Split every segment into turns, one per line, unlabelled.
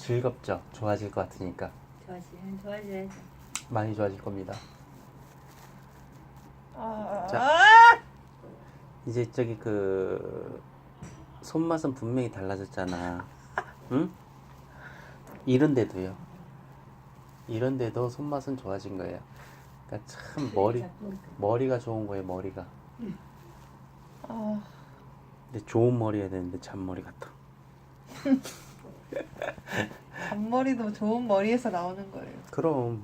즐겁죠? 좋아질 것 같으니까.
좋아져야죠.
많이 좋아질 겁니다. 자,
아,
이제 저기 손맛은 분명히 달라졌잖아. 응? 이런데도요. 이런데도 손맛은 좋아진 거예요. 그러니까 참 머리가 좋은 거예요, 머리가.
아,
근데 좋은 머리 해야 되는데 잔머리 같아.
잔머리도 좋은 머리에서 나오는 거예요.
그럼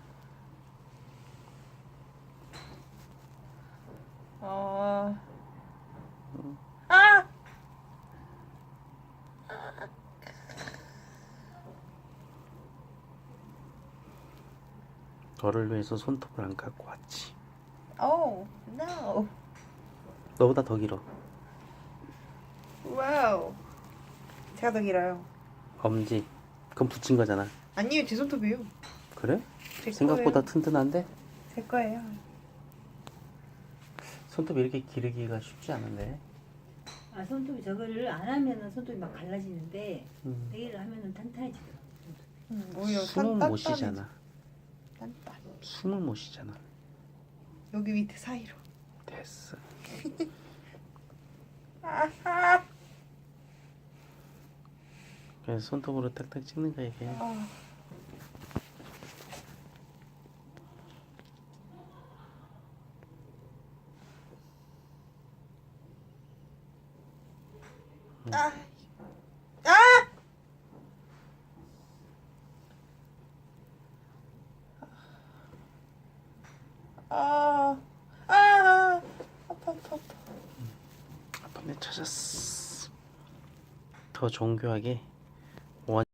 아, 아,
너를 위해서 손톱을 안 갖고 왔지.
oh, no,
너보다 더 길어.
와우. 제가 더 길어요.
엄지. 그건 붙인 거잖아.
아니요, 제 손톱이요.
그래?
제
생각보다
거예요.
튼튼한데?
제 거예요.
손톱이 이렇게 기르기가 쉽지 않은데.
손톱이 저거를 안 하면은 손톱이 막 갈라지는데
음.
내일 하면은 탄탄해지더라고.
오히려
숨을 못
단단해져.
쉬잖아.
단단.
숨을 못 쉬잖아.
여기 밑에 사이로.
됐어.
아하.
그래서 손톱으로 딱딱 찍는 거야 이게.
아. 아. 아. 아. 아. 아파 아파 아파.
아빠 내 찾았어. 더 정교하게